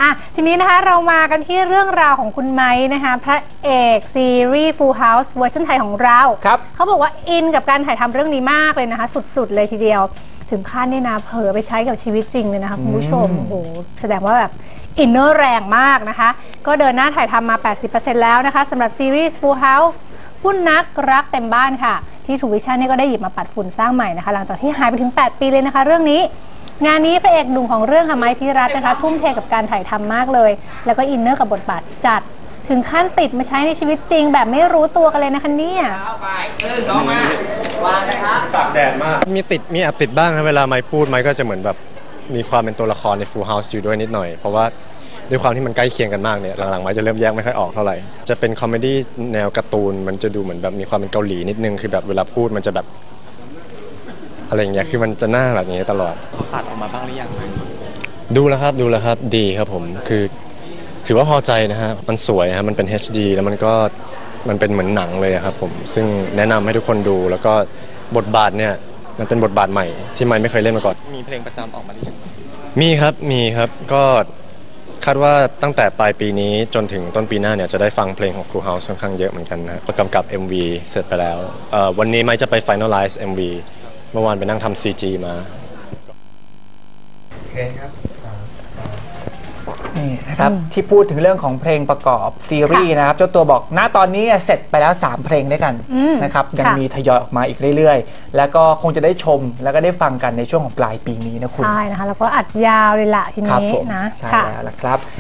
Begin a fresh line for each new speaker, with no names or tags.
ทีนี้นะคะเรามากันที่เรื่องราวของคุณไม้นะคะพระเอกซีรีส์ Full House เวอร์ชันไทยของเราเขาบอกว่าอินกับการถ่ายทำเรื่องนี้มากเลยนะคะสุดๆเลยทีเดียวถึงขั้นนี่นะเผลอไปใช้กับชีวิตจริงเลยนะคะคุณผู้ชมโอ้โหแสดงว่าแบบอินเนอร์แรงมากนะคะก็เดินหน้าถ่ายทำมา 80% แล้วนะคะสำหรับซีรีส์ Full House หุ้นนักรักเต็มบ้านค่ะที่ทูวิชั่นนี่ก็ได้หยิบมาปัดฝุ่นสร้างใหม่นะคะหลังจากที่หายไปถึง8 ปีเลยนะคะเรื่องนี้งานนี้พระเอกหนุ่มของเรื่องค่ะไม้พิรัตน์นะคะทุ่มเทกับการถ่ายทำมากเลยแล้วก็อินเนอร์กับบทบาทจัดถึงขั้นติดมาใช้ในชีวิตจริงแบบไม่รู้ตัวกันเลยนะคะเนี่ย
น้องมาวางนะครับตากแดดมากมีแอบติดบ้างนะเวลาไม้พูดไม้ก็จะเหมือนแบบมีความเป็นตัวละครใน Full House อยู่ด้วยนิดหน่อยเพราะว่าด้วยความที่มันใกล้เคียงกันมากเนี่ยหลังๆไม้จะเริ่มแยกไม่ค่อยออกเท่าไหร่จะเป็นคอมเมดี้แนวการ์ตูนมันจะดูเหมือนแบบมีความเป็นเกาหลีนิดนึงคือแบบเวลาพูดมันจะแบบอะไรอย่างเงี้ยคือมันจะหน้าแบบนี้ตลอด
เขาตัดออกมาบ้างหรือยัง
ดูแล้วครับดีครับผมคือถือว่าพอใจนะฮะมันสวยฮะมันเป็น HD แล้วมันเป็นเหมือนหนังเลยครับผมซึ่งแนะนำให้ทุกคนดูแล้วก็บทบาทเนี่ยมันเป็นบทบาทใหม่ที่ไม่เคยเล่นมาก่อน
มีเพลงประจำออกมาหรือยัง
มีครับก็คาดว่าตั้งแต่ปลายปีนี้จนถึงต้นปีหน้าเนี่ยจะได้ฟังเพลงของ Full House ค่อนข้างเยอะเหมือนกันนะประกำกับ MV เสร็จไปแล้ววันนี้ไม่จะไป finalize MV เมื่อวานไปนั่งทำ CG มา
โอเคครับ
นี่นะครับที่พูดถึงเรื่องของเพลงประกอบซีรีส์นะครับเจ้าตัวบอกณตอนนี้เสร็จไปแล้ว3เพลงด้วยกันนะครับยังมีทยอยออกมาอีกเรื่อยๆแล้วก็คงจะได้ชมแล้วก็ได้ฟังกันในช่วงของปลายปีนี้นะคุณ
ใช่นะคะแล้วก็อัดยาวเลยล่ะทีนี้นะ
ใช่แล้วล่ะครับ